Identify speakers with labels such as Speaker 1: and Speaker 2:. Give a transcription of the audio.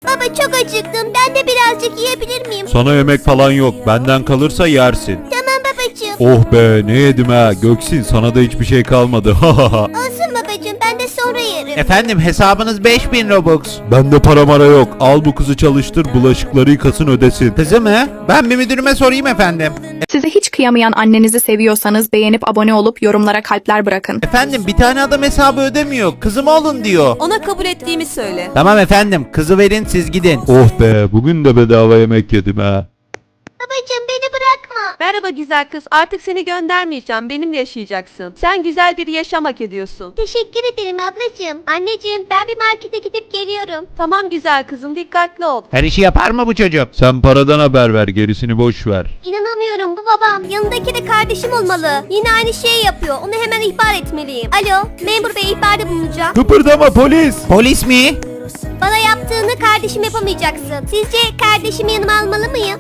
Speaker 1: Baba çok acıktım. Ben de birazcık yiyebilir miyim?
Speaker 2: Sana yemek falan yok. Benden kalırsa yersin.
Speaker 1: Tamam babacığım.
Speaker 2: Oh be ne yedim ha. Göksin sana da hiçbir şey kalmadı.
Speaker 1: Olsun babacığım, ben de sonra yerim.
Speaker 3: Efendim hesabınız 5000 Robux.
Speaker 2: Bende para mara yok. Al bu kızı çalıştır, bulaşıkları yıkasın ödesin.
Speaker 3: Kızı mı? Ben bir müdürüme sorayım efendim.
Speaker 4: Size hiç kıyamayan annenizi seviyorsanız beğenip abone olup yorumlara kalpler bırakın.
Speaker 3: Efendim bir tane adam hesabı ödemiyor. Kızım olun diyor.
Speaker 5: Ona kabul ettiğimi söyle.
Speaker 3: Tamam efendim kızı verin siz gidin.
Speaker 2: Oh be bugün de bedava yemek yedim ha.
Speaker 1: Babacığım beni bırakma.
Speaker 5: Merhaba güzel kız. Artık seni göndermeyeceğim. Benimle yaşayacaksın. Sen güzel bir yaşam hak ediyorsun.
Speaker 1: Teşekkür ederim ablacığım. Anneciğim ben bir markete gidip geliyorum.
Speaker 5: Tamam güzel kızım. Dikkatli ol.
Speaker 3: Her işi yapar mı bu çocuk?
Speaker 2: Sen paradan haber ver, gerisini boş ver.
Speaker 1: İnanamıyorum, bu babam. Yanındaki de kardeşim olmalı. Yine aynı şeyi yapıyor. Onu hemen ihbar etmeliyim. Alo, memur bey, ihbarda bulunacağım.
Speaker 2: Kıpırdama polis.
Speaker 3: Polis mi?
Speaker 1: Bana yaptığını kardeşim yapamayacaksın. Sizce kardeşimi yanıma almalı mıyım?